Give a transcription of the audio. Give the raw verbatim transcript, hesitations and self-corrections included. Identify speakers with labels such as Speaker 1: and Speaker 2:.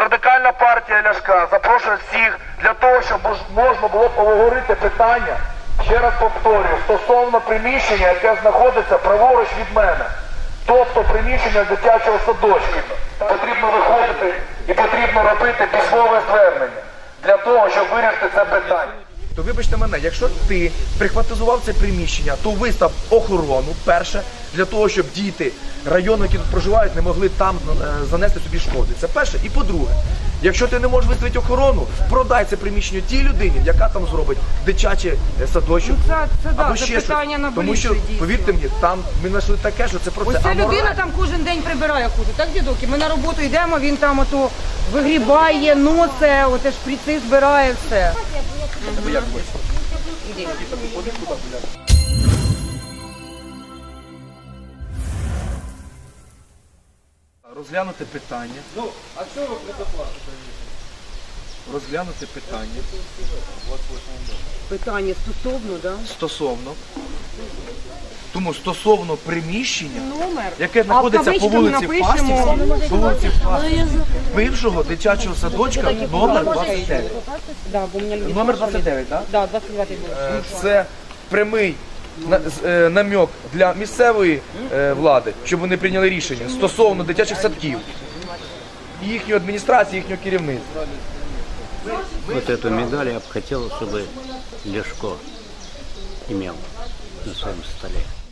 Speaker 1: Радикальна партія Ляшка запрошує всіх для того, щоб можна було поговорити питання, ще раз повторюю, стосовно приміщення, яке знаходиться праворуч від мене. Тобто приміщення дитячого садочку. Потрібно виходити і потрібно робити письмове звернення для того, щоб вирішити це питання.
Speaker 2: То вибачте мене, якщо ти прихватизував це приміщення, то вистав охорону, перше, для того, щоб діти району, які тут проживають, не могли там е, занести собі шкоди. Це перше. І по-друге, якщо ти не можеш виставити охорону, продай це приміщення тій людині, яка там зробить дитячий садочок.
Speaker 3: Ну, це, це, да,
Speaker 2: або
Speaker 3: це
Speaker 2: ще
Speaker 3: питання
Speaker 2: щось.
Speaker 3: на
Speaker 2: Тому
Speaker 3: більше,
Speaker 2: що,
Speaker 3: дійсно.
Speaker 2: повірте мені, там ми знайшли таке, що це просто
Speaker 3: Ось ця
Speaker 2: аморально.
Speaker 3: людина там кожен день прибирає хуже, так, дідок? І ми на роботу йдемо, він там ото вигрібає, носе, оте шприци збирає, все.
Speaker 2: Ну, як хочеш.
Speaker 3: Іди.
Speaker 2: Розглянути питання. Ну, а що ви предоплатите? Розглянути питання.
Speaker 3: Питання стосовно, да?
Speaker 2: Стосовно. Тому стосовно приміщення,
Speaker 3: Номер.
Speaker 2: яке знаходиться по вулиці
Speaker 3: напишемо.
Speaker 2: Фастівській, по вулиці Фастівській, бившого дитячого садочка номер двадцять дев'ять.
Speaker 3: Да, бо у мене люди
Speaker 2: Номер
Speaker 3: спрашивали.
Speaker 2: двадцять дев'ять, так?
Speaker 3: Да, двадцять дев'ятий був.
Speaker 2: Е, Це прямий на- з- е, намек для місцевої е, влади, щоб вони прийняли рішення стосовно дитячих садків, їхньої адміністрації, їхнього керівництва.
Speaker 4: Вот эту медаль я бы хотел, чтобы Ляшко имел на своем столе.